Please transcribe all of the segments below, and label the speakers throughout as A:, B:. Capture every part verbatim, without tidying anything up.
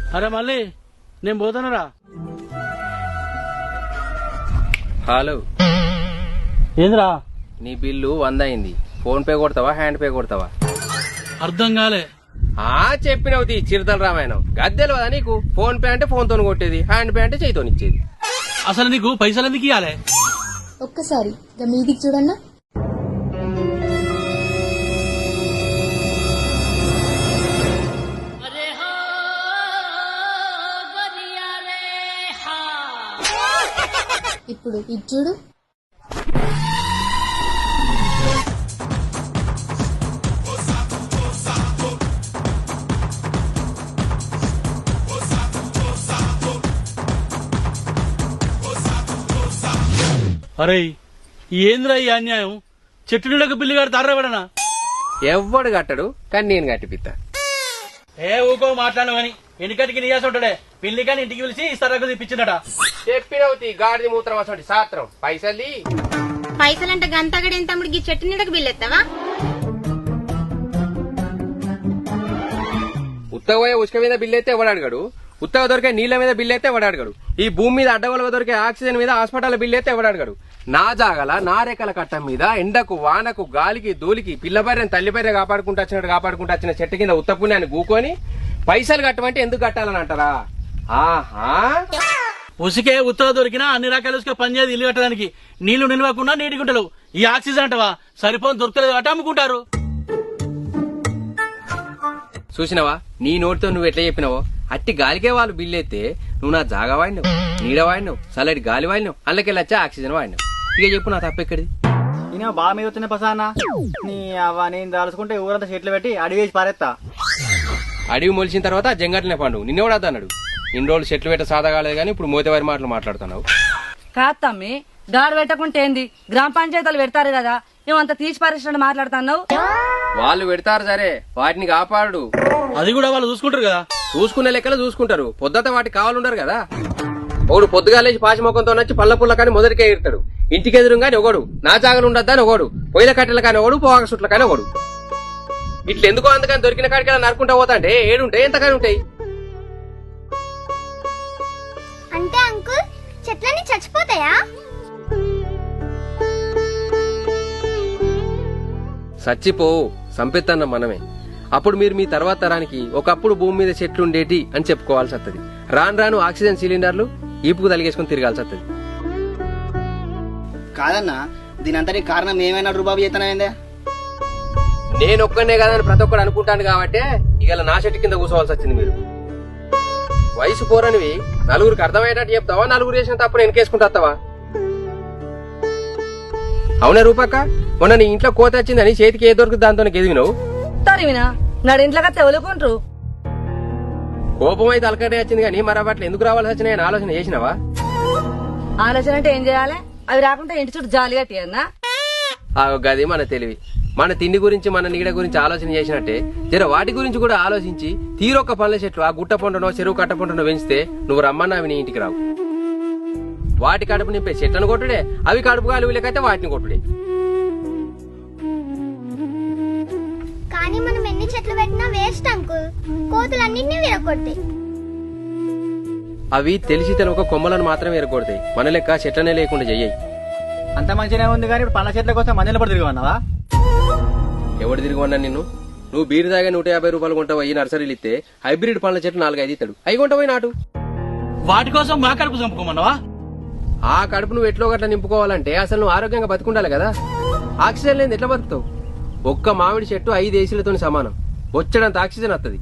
A: అరే మళ్ళీ నేను పోతానరా.
B: హలో,
A: ఏంద్రా?
B: నీ బిల్లు వంద అయింది. ఫోన్ పే కొడతావా హ్యాండ్ పే కొడతావా?
A: అర్థం కాలే.
B: ఆ చెప్పినవుతి చిరుతల రామాయణం గద్దెలు కదా నీకు. ఫోన్ పే అంటే ఫోన్ తోని కొట్టేది, హ్యాండ్ పే అంటే చేయితోని ఇచ్చేది.
A: అసలు నీకు పైసలు ఎందుకు ఇవ్వాలి?
C: ఒక్కసారి మీదికి చూడన్నా. ఇప్పుడు ఇది చూడు.
A: అరే ఏంద్రా ఈ అన్యాయం? చెట్టు నీళ్ళకు బిల్లు కడతారా ఎవడనా?
B: ఎవ్వడు కట్టడు, కానీ నేను కట్టిపిత్తా.
A: ఏ ఊకో మాట్లాడు అని ఎన్నికటికి నీయాస ఉంటాడే. పిల్లి కానీ ఇంటికి పిలిచి ఇస్తారకు తెప్పించిందట.
B: చెప్పినవుతి గాడిది మూత్రం అసలు సాత్రం. పైసలు
D: పైసలంటే గంతగడేం తమ్ముడికి చెట్టు నీడకు బిల్లెత్తావా?
B: ఉత్తగ ఉసుక మీద బిల్లు అయితే ఎవడు అడగడు, ఉత్తగ దొరికే నీళ్ల మీద బిల్లు అయితే ఎవడు అడగడు, ఈ భూమి మీద అడ్డగొలగా దొరికే ఆక్సిజన్ మీద హాస్పిటల్ బిల్లు అయితే ఎవడు అడగడు. నా జాగల నా రేఖల కట్టం మీద ఎండకు వానకు గాలికి దూలికి పిల్ల బర్రెని తల్లి బర్రె కాపాడుకుంటూ వచ్చినట్టు కాపాడుకుంటూ వచ్చిన చెట్టు కింద ఉత్తపుణ్యాన్ని గూకొని పైసలు కట్టమంటే ఎందుకు కట్టాలని అంటారా? ఆహా,
A: ఉసికే ఉత్తర దొరికినా అన్ని రకాల ఉసుక పనిచేది ఇల్లు కట్టడానికి. నీళ్లు నిలవకుండా నీటి గుంటలు. ఈ ఆక్సిజన్ అంటవా సరిపోని దొరకలేదు అట అమ్ముకుంటారు.
B: చూసినవా నీ నోటితో నువ్వు ఎట్లా చెప్పినావో అట్టి గాలికే వాళ్ళు బిల్లు అయితే నువ్వు నా జాగా వాడినావు, నీడ వాడినావు, చల్లటి గాలి వాడినావు, అందులోకెళ్ళి వచ్చా ఆక్సిజన్ వాడినావు. ఇక చెప్పు నా తప్పెక్కడిది?
E: నేను బాగా మీద వచ్చిన పసానా నీ అవ్వ నేను దాల్చుకుంటే ఊరంతా చెట్లు పెట్టి అడిగి వేసి పారేస్తా.
B: అడవి మొలిచిన తర్వాత జంగట్లనే పండు నిన్నెవడద్దు అన్నాడు. ఇన్ని రోజులు చెట్లు పెట్ట సాదా కాలేదు కానీ ఇప్పుడు మోతేవారి మాటలు మాట్లాడుతున్నావు.
F: కాదు తమ్మి, గాడు పెట్టకుంటే ఏంది? గ్రామ పంచాయతీలు పెడతారు కదా, ఏమంత తీసి పరిశ్రమ మాట్లాడుతున్నావు.
B: వాళ్ళు పెడతారు సరే, వాటిని కాపాడు.
A: అది కూడా వాళ్ళు చూసుకుంటారు కదా.
B: చూసుకునే లెక్కలు చూసుకుంటారు, పొద్దుత వాటికి కావాలంటారు కదా. ఒకడు పొద్దుగా లేచి పాచిమొఖంతో నచ్చి పళ్ళ పుల్ల కానీ మొదటికే ఎడతాడు. ఇంటికి ఎదురు కానీ ఒకడు, నా జాగలు ఉండద్దని ఒకడు, పొయ్యిల కట్టెల కానీ ఒకడు, పోగా సుట్ల కానీ ఒకడు. ఇట్లా ఎందుకో అందుకని దొరికిన కాడికి నరుకుంటా పోతా అంటే ఏడుంటాయి ఎంతకాని ఉంటాయి.
D: అంటే అంకుల్ చెట్లన్నీ చచ్చిపోతాయా?
B: చచ్చిపోవు, సంపెత్తన్న మనమే. అప్పుడు మీరు మీ తర్వాత తరానికి ఒకప్పుడు భూమి మీద చెట్లు ఉండేటి అని చెప్పుకోవాల్సి వస్తుంది. రాను రాను ఆక్సిజన్ సిలిండర్లు ఈపుకు తలిగేసుకుని తిరగాల్సి వస్తుంది.
E: కాదన్నా దీని అంతటి కారణం ఏమైనా రుబాబు చేతనైందే?
B: నేను ఒక్కనే కాదని ప్రతి ఒక్కరు అనుకుంటాను కాబట్టి ఇవాళ నా చెట్టు కింద కూర్చోవాల్సి వచ్చింది. మీరు వయసు పోరనివి నలుగురికి అర్థమయ్యేటట్టు చెప్తావా, నలుగురు చేసిన తప్పుడు వెనకేసుకుంటావా? అవునా రూపక్క, మొన్న నీ ఇంట్లో కోత వచ్చిందని చేతికి ఏ దొరుకుతుంది దాంతో ఎదిగినావు.
F: తరివినా నాడు ఇంట్లోకి తెవలుకుంటారు.
B: కోపం అయితే అలకటే వచ్చింది కానీ మరి అట్లా ఎందుకు రావాల్సి వచ్చినాయని ఆలోచన చేసినావా?
F: ఆలోచన అంటే ఏం చేయాలి? అవి రాకుండా ఇంటి చుట్టూ జాలి కట్టియన్నా.
B: ఆ గది మన తెలివి. మన తిండి గురించి మన నీడ గురించి ఆలోచన చేసినట్టే జర వాటి గురించి కూడా ఆలోచించి తీరొక్క పనుల చెట్లు ఆ గుట్ట పొంటనో చెరువు కట్ట పొంటనో పెంచితే నువ్వు రమ్మన్నా అవి నీ ఇంటికి రావు. వాటి కడుపు నింపే చెట్లను కొట్టుడే, అవి కడుపు గాలి వీళ్ళకైతే వాటిని కొట్టుడే.
D: కానీ మనం ఎన్ని చెట్లు పెట్టినా వేస్ట్ అంకుల్, కోతులన్నింటినీ విరగొడతాయి.
B: అవి తెలిసి తెలవక కొమ్మలను మాత్రమే ఎరగొడతాయి, మన లెక్క చెట్లనే లేకుండా చెయ్యి.
E: అంత మంచిగానే ఉంది కానీ ఇప్పుడు పండ్ల చెట్ల కోసం మందులు పడి తిరిగి
B: ఎవడు తిరిగివన్నా నిన్ను? నువ్వు బీరు దాగా నూట యాభై రూపాయలు కొంటావు, ఈ నర్సరీలు ఇస్తే హైబ్రిడ్ పండ్ల చెట్లు నాలుగైదు ఇస్తాడు, అవి కొంటపోయి నాటు.
A: వాటి కోసం మా కడుపు చంపుకోమన్నావా?
B: ఆ కడుపు నువ్వు ఎట్లో గట్లా నింపుకోవాలంటే అసలు నువ్వు ఆరోగ్యంగా బతుకుండాలి కదా. ఆక్సిజన్ లేని ఎట్లా బతుకుతావు? ఒక్క మామిడి చెట్టు ఐదు ఏసీలతో సమానం, వచ్చేడంత ఆక్సిజన్ వస్తుంది.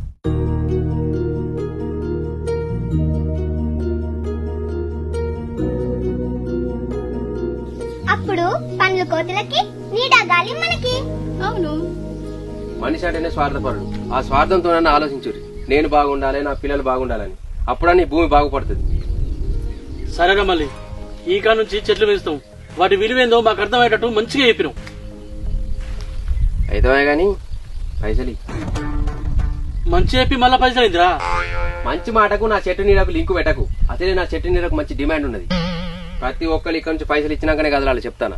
D: అప్పుడు పండ్ల కోతులకి, నీడ గాలి మనకి. అవును,
B: మనిషి అంటేనే స్వార్థపరుడు. ఆ స్వార్థంతో నన్ను ఆలోచించుర్రి, నేను బాగుండాలి, నా పిల్లలు బాగుండాలని. అప్పుడని భూమి బాగుపడుతుంది.
A: సరేనా మళ్ళీ ఈ కాడ నుంచి చెట్లు పెంచుతాం, వాటి విలువేందో మాకు అర్థమయ్యేటట్టు మంచిగా చెప్పినాం.
B: అయితే గాని పైసలు
A: మంచి చెప్పి మళ్ళా పైసలు అయిందిరా.
B: మంచి మాటకు నా చెట్టు నీడకు లింకు పెట్టకు. అసలే నా చెట్టు నీడకు మంచి డిమాండ్ ఉన్నది. ప్రతి ఒక్కరు ఇక్కడ నుంచి పైసలు ఇచ్చినాకనే కదలాలి, చెప్తానా?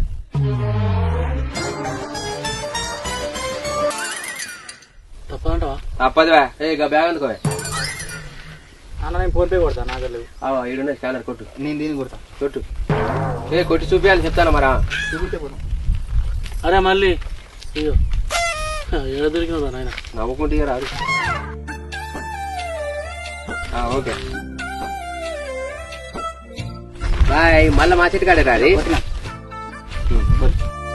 A: తప్పదంటవా?
B: తప్పదువా? ఏ బ్యాగ్ అందుకో.
E: అన్న నేను ఫోన్ పే కొడతా నాకు లేవు.
B: ఈడున్న స్కానర్ కొట్టు
E: నేను దీన్ని కొడతా.
B: కొట్టు ఏ కొట్టి చూపించాలి చెప్తాను మరా
E: చూపిస్తే పోతాం.
A: అరే మళ్ళీ అయ్యో ఏడ దొరికినదా నాయన.
B: నవ్వుకుంటే రాదు. Okay bye. మళ్ళీ మా చెట్టు కాడే రాది.
E: కొట్టినా.